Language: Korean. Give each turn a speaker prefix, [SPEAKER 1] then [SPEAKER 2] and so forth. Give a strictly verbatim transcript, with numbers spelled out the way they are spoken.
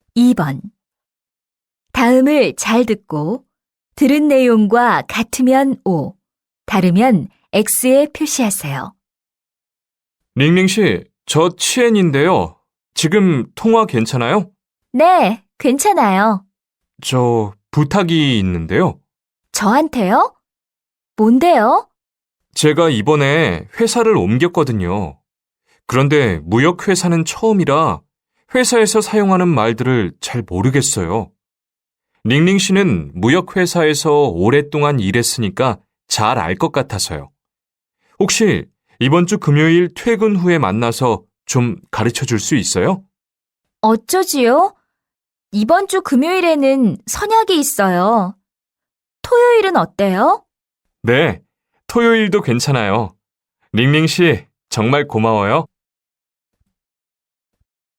[SPEAKER 1] 이 번. 다음을 잘 듣고 들은 내용과 같으면 O, 다르면 X에 표시하세요.
[SPEAKER 2] 링링 씨, 저 치엔인데요. 지금 통화 괜찮아요?
[SPEAKER 1] 네, 괜찮아요.
[SPEAKER 2] 저 부탁이 있는데요.
[SPEAKER 1] 저한테요? 뭔데요?
[SPEAKER 2] 제가 이번에 회사를 옮겼거든요. 그런데 무역회사는 처음이라 회사에서 사용하는 말들을 잘 모르겠어요. 링링 씨는 무역회사에서 오랫동안 일했으니까 잘 알 것 같아서요. 혹시 이번 주 금요일 퇴근 후에 만나서 좀 가르쳐 줄 수 있어요?
[SPEAKER 1] 어쩌지요? 이번 주 금요일에는 선약이 있어요. 토요일은 어때요?
[SPEAKER 2] 네, 토요일도 괜찮아요. 링링 씨, 정말 고마워요.